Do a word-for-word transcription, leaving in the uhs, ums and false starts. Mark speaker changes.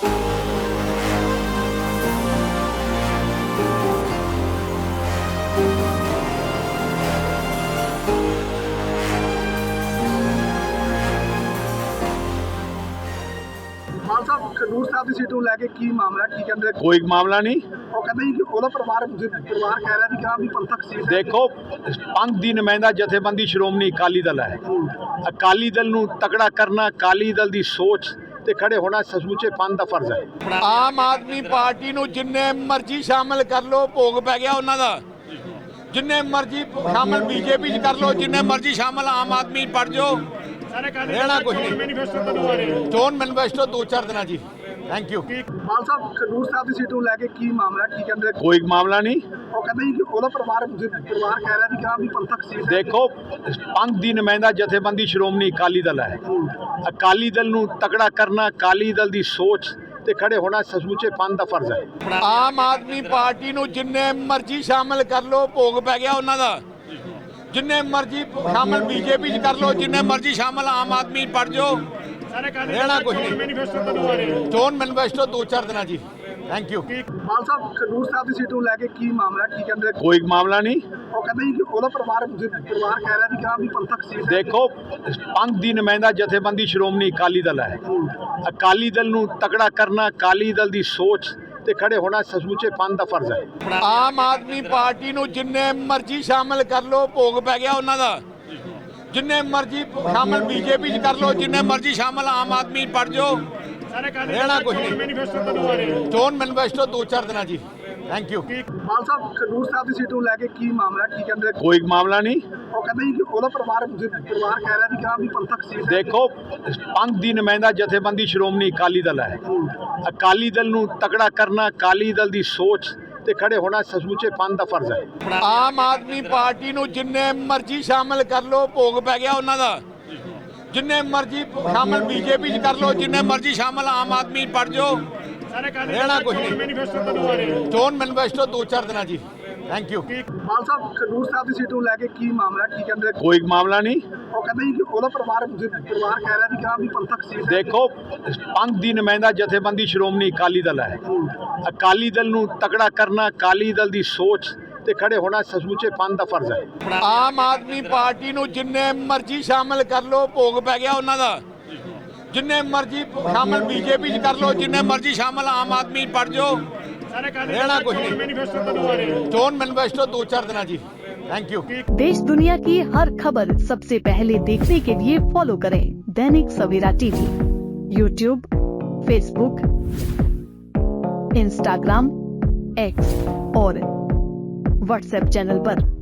Speaker 1: ਮਾਨ ਸਾਹਿਬ ਖਡੂਰ ਸਾਹਿਬ ਦੀ ਸੀਟ ਨੂੰ ਲੈ ਕੇ ਕੀ ਮਾਮਲਾ ਕੀ ਕਹਿੰਦੇ?
Speaker 2: ਕੋਈ ਮਾਮਲਾ ਨਹੀਂ।
Speaker 1: ਉਹ ਕਹਿੰਦੇ ਜੀ ਕਿ ਉਹਦਾ ਪਰਿਵਾਰ ਪਰਿਵਾਰ ਕਹਿ ਰਿਹਾ ਵੀ ਕਿ ਹਾਂ ਵੀ ਪੰਥਕ ਸੀਟ ਹੈ।
Speaker 2: ਦੇਖੋ, ਪੰਥ ਦੀ ਨੁਮਾਇੰਦਾ ਜਥੇਬੰਦੀ ਸ਼੍ਰੋਮਣੀ ਅਕਾਲੀ ਦਲ ਹੈ। ਅਕਾਲੀ ਦਲ ਨੂੰ ਤਕੜਾ ਕਰਨਾ, ਅਕਾਲੀ ਦਲ ਦੀ ਸੋਚ ਤੇ ਖੜੇ ਹੋਣਾ ਸੱਚਮੁੱਚੇ ਪੰਥ ਦਾ ਫਰਜ਼ ਹੈ।
Speaker 3: ਆਮ ਆਦਮੀ ਪਾਰਟੀ ਨੂੰ ਜਿੰਨੇ ਮਰਜ਼ੀ ਸ਼ਾਮਲ ਕਰ ਲੋ, ਭੋਗ ਪੈ ਗਿਆ ਉਹਨਾਂ ਦਾ। ਜਿੰਨੇ ਮਰਜ਼ੀ ਸ਼ਾਮਲ ਬੀਜੇਪੀ 'ਚ ਕਰ ਲੋ, ਜਿੰਨੇ ਮਰਜ਼ੀ ਸ਼ਾਮਲ ਆਮ ਆਦਮੀ ਪੜ ਜਾਓ, ਰਹਿਣਾ ਕੁਝ ਨਹੀਂ। ਚੋਣ ਮੈਨੀਫੈਸਟੋ ਦੋ ਚਾਰ ਦਿਨਾਂ ਜੀ। Thank you.
Speaker 1: ਮਾਨ ਸਾਹਿਬ ਖਡੂਰ ਸਾਹਿਬ ਦੀ ਸੀਟ ਨੂੰ ਲੈ ਕੇ ਕੀ ਮਾਮਲਾ ਕੀ ਕਹਿੰਦੇ?
Speaker 2: ਕੋਈ ਮਾਮਲਾ ਨਹੀਂ।
Speaker 1: ਉਹ ਕਹਿੰਦੇ ਜੀ ਕਿ ਉਹਦਾ ਪਰਿਵਾਰ ਪਰਿਵਾਰ ਕਹਿ ਰਿਹਾ ਵੀ ਕਿ ਹਾਂ ਵੀ ਪੰਥਕ ਸੀਟ ਹੈ।
Speaker 2: ਦੇਖੋ, ਪੰਥ ਦੀ ਨੁਮਾਇੰਦਾ ਜਥੇਬੰਦੀ ਸ਼੍ਰੋਮਣੀ ਅਕਾਲੀ ਦਲ ਹੈ। ਅਕਾਲੀ ਦਲ ਨੂੰ ਤਕੜਾ ਕਰਨਾ, ਅਕਾਲੀ ਦਲ ਦੀ ਸੋਚ ਤੇ ਖੜੇ ਹੋਣਾ ਸੱਚਮੁੱਚੇ ਪੰਥ ਦਾ ਫਰਜ਼ ਹੈ।
Speaker 3: ਆਮ ਆਦਮੀ ਪਾਰਟੀ ਨੂੰ ਜਿੰਨੇ ਮਰਜ਼ੀ ਸ਼ਾਮਲ ਕਰ ਲੋ, ਭੋਗ ਪੈ ਗਿਆ ਉਹਨਾਂ ਦਾ। ਜਿੰਨੇ ਮਰਜ਼ੀ ਸ਼ਾਮਲ ਬੀਜੇਪੀ 'ਚ ਕਰ ਲੋ, ਜਿੰਨੇ ਮਰਜ਼ੀ ਸ਼ਾਮਲ ਆਮ ਆਦਮੀ ਪੜ ਜਾਓ, ਰਹਿਣਾ ਕੁਝ ਨਹੀਂ। ਚੋਣ ਮੈਨੀਫੈਸਟੋ ਦੋ ਚਾਰ ਦਿਨਾਂ ਜੀ। Thank you.
Speaker 1: ਮਾਨ ਸਾਹਿਬ ਖਡੂਰ ਸਾਹਿਬ ਦੀ ਸੀਟ ਨੂੰ ਲੈ ਕੇ ਕੀ ਮਾਮਲਾ ਕੀ ਕਹਿੰਦੇ?
Speaker 2: ਕੋਈ ਮਾਮਲਾ ਨਹੀਂ।
Speaker 1: ਉਹ ਕਹਿੰਦੇ ਜੀ ਕਿ ਉਹਦਾ ਪਰਿਵਾਰ ਪਰਿਵਾਰ ਕਹਿ ਰਿਹਾ ਵੀ ਕਿ ਹਾਂ ਵੀ ਪੰਥਕ ਸੀਟ ਹੈ।
Speaker 2: ਦੇਖੋ, ਪੰਥ ਦੀ ਨੁਮਾਇੰਦਾ ਜਥੇਬੰਦੀ ਸ਼੍ਰੋਮਣੀ ਅਕਾਲੀ ਦਲ ਹੈ। ਅਕਾਲੀ ਦਲ ਨੂੰ ਤਕੜਾ ਕਰਨਾ, ਅਕਾਲੀ ਦਲ ਦੀ ਸੋਚ ਤੇ ਖੜੇ ਹੋਣਾ ਸੱਚਮੁੱਚੇ ਪੰਥ ਦਾ ਫਰਜ਼ ਹੈ।
Speaker 3: ਆਮ ਆਦਮੀ ਪਾਰਟੀ ਨੂੰ ਜਿੰਨੇ ਮਰਜ਼ੀ ਸ਼ਾਮਲ ਕਰ ਲੋ, ਭੋਗ ਪੈ ਗਿਆ ਉਹਨਾਂ ਦਾ। ਜਿੰਨੇ ਮਰਜ਼ੀ ਸ਼ਾਮਲ ਬੀਜੇਪੀ 'ਚ ਕਰ ਲੋ, ਜਿੰਨੇ ਮਰਜ਼ੀ ਸ਼ਾਮਲ ਆਮ ਆਦਮੀ ਪੜ ਜਾਓ, ਰਹਿਣਾ ਕੁਝ ਨਹੀਂ। ਚੋਣ ਮੈਨੀਫੈਸਟੋ ਦੋ ਚਾਰ ਦਿਨਾਂ ਜੀ। Thank you.
Speaker 1: ਮਾਨ ਸਾਹਿਬ ਖਡੂਰ ਸਾਹਿਬ ਦੀ ਸੀਟ ਨੂੰ ਲੈ ਕੇ ਕੀ ਮਾਮਲਾ ਕੀ ਕਹਿੰਦੇ?
Speaker 2: ਕੋਈ ਮਾਮਲਾ ਨਹੀਂ।
Speaker 1: ਉਹ ਕਹਿੰਦੇ ਜੀ ਕਿ ਉਹਦਾ ਪਰਿਵਾਰ ਪਰਿਵਾਰ ਕਹਿ ਰਿਹਾ ਵੀ ਕਿ ਹਾਂ ਵੀ ਪੰਥਕ ਸੀਟ ਹੈ।
Speaker 2: ਦੇਖੋ, ਪੰਥ ਦੀ ਨੁਮਾਇੰਦਾ ਜਥੇਬੰਦੀ ਸ਼੍ਰੋਮਣੀ ਅਕਾਲੀ ਦਲ ਹੈ। ਅਕਾਲੀ ਦਲ ਨੂੰ ਤਕੜਾ ਕਰਨਾ, ਅਕਾਲੀ ਦਲ ਦੀ ਸੋਚ ਤੇ ਖੜੇ ਹੋਣਾ ਸੱਚਮੁੱਚੇ ਪੰਥ ਦਾ ਫਰਜ਼ ਹੈ।
Speaker 3: ਆਮ ਆਦਮੀ ਪਾਰਟੀ ਨੂੰ ਜਿੰਨੇ ਮਰਜ਼ੀ ਸ਼ਾਮਲ ਕਰ ਲੋ, ਭੋਗ ਪੈ ਗਿਆ ਉਹਨਾਂ ਦਾ। ਜਿੰਨੇ ਮਰਜ਼ੀ ਸ਼ਾਮਲ ਬੀਜੇਪੀ 'ਚ ਕਰ ਲੋ, ਜਿੰਨੇ ਮਰਜ਼ੀ ਸ਼ਾਮਲ ਆਮ ਆਦਮੀ ਪੜ ਜਾਓ, ਰਹਿਣਾ ਕੁਝ ਨਹੀਂ। ਚੋਣ ਮੈਨੀਫੈਸਟੋ ਦੋ ਚਾਰ ਦਿਨਾਂ ਜੀ। Thank you.
Speaker 1: ਮਾਨ ਸਾਹਿਬ ਖਡੂਰ ਸਾਹਿਬ ਦੀ ਸੀਟ ਨੂੰ ਲੈ ਕੇ ਕੀ ਮਾਮਲਾ ਕੀ ਕਹਿੰਦੇ?
Speaker 2: ਕੋਈ ਮਾਮਲਾ ਨਹੀਂ।
Speaker 1: ਉਹ ਕਹਿੰਦੇ ਜੀ ਕਿ ਉਹਦਾ ਪਰਿਵਾਰ ਪਰਿਵਾਰ ਕਹਿ ਰਿਹਾ ਵੀ ਕਿ ਹਾਂ ਵੀ ਪੰਥਕ ਸੀਟ ਹੈ।
Speaker 2: ਦੇਖੋ, ਪੰਥ ਦੀ ਨੁਮਾਇੰਦਾ ਜਥੇਬੰਦੀ ਸ਼੍ਰੋਮਣੀ ਅਕਾਲੀ ਦਲ ਹੈ। ਅਕਾਲੀ ਦਲ ਨੂੰ ਤਕੜਾ ਕਰਨਾ, ਅਕਾਲੀ ਦਲ ਦੀ ਸੋਚ ਤੇ ਖੜੇ ਹੋਣਾ ਸੱਚਮੁੱਚੇ ਪੰਥ ਦਾ ਫਰਜ਼ ਹੈ।
Speaker 3: ਆਮ ਆਦਮੀ ਪਾਰਟੀ ਨੂੰ ਜਿੰਨੇ ਮਰਜ਼ੀ ਸ਼ਾਮਲ ਕਰ ਲੋ, ਭੋਗ ਪੈ ਗਿਆ ਉਹਨਾਂ ਦਾ। ਜਿੰਨੇ ਮਰਜ਼ੀ ਸ਼ਾਮਲ ਬੀਜੇਪੀ 'ਚ ਕਰ ਲੋ, ਜਿੰਨੇ ਮਰਜ਼ੀ ਸ਼ਾਮਲ ਆਮ ਆਦਮੀ ਪੜ ਜਾਓ, ਰਹਿਣਾ ਕੁਝ ਨਹੀਂ। ਚੋਣ ਮੈਨੀਫੈਸਟੋ ਦੋ ਚਾਰ ਦਿਨਾਂ जी। Thank you.
Speaker 4: देश दुनिया की हर खबर सबसे पहले देखने के लिए फॉलो करें Dainik Savera TV, YouTube, Facebook, Instagram, X और व्हाट्सएप चैनल पर।